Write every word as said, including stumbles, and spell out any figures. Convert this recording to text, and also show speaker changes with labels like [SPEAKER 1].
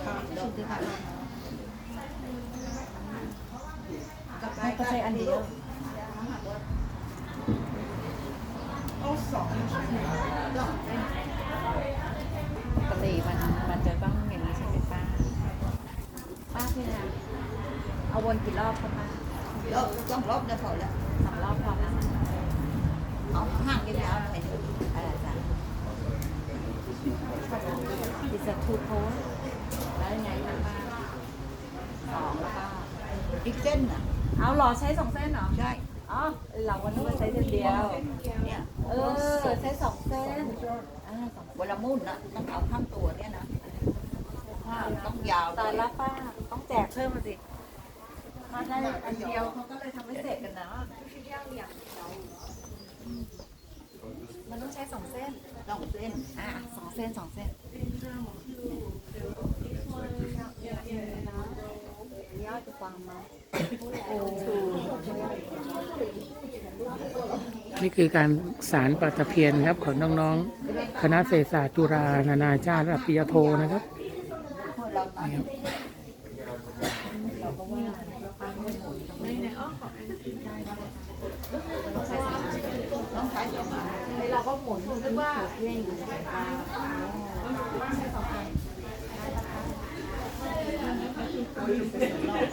[SPEAKER 1] ชุดที่ค่ะ
[SPEAKER 2] ก็ใช้อันเดียว
[SPEAKER 1] เอาสอง
[SPEAKER 2] ปกติมันมันจะต้องอย่างนี้ใช่ไหมป้าป้าพี่นะเอาวนกี่รอบคะป้าร
[SPEAKER 1] อบต้องรอบเดียวพอแล้ว
[SPEAKER 2] สามรอบพอนะ
[SPEAKER 1] เอาห่างยาวๆหน่อย
[SPEAKER 2] เออจ้ะดิสทูโพสแล้วยังไงคะป้าสองแล้วก็
[SPEAKER 1] อีกเส้นน่ะ
[SPEAKER 2] เอาหรอใช้สองเส้นเหรอ
[SPEAKER 1] ใช่
[SPEAKER 2] อ๋อเราวันนี้ว่าใช้เส้นเดียว
[SPEAKER 1] เนี่ย
[SPEAKER 2] เออใช้สองเส้นอ่าสอง
[SPEAKER 1] เวลามุ่นนะต้องเอาข้างตัวเนี่ยนะต้องยาว
[SPEAKER 2] ตายละป้าต้องแจกเพิ่มมาสิมาได้อันเดียวเขาก็เลยทำให้เสร็จกันนะมันต้องใช้สองเส้น
[SPEAKER 1] ต้องเส้น
[SPEAKER 2] อ่ะสองเส้นสองเส้นยอดจะฟังมาโอ้
[SPEAKER 3] นี่คือการสารปลาตะเพียนครับของน้องๆ คณะเศรษฐศาสตร์จุฬานานาชาติระดับปริญญาโทนะครับ
[SPEAKER 1] เราตัด
[SPEAKER 3] นี่ครับ
[SPEAKER 1] ต้องใช้สองอัน
[SPEAKER 2] เราก็หมุนนึกว่า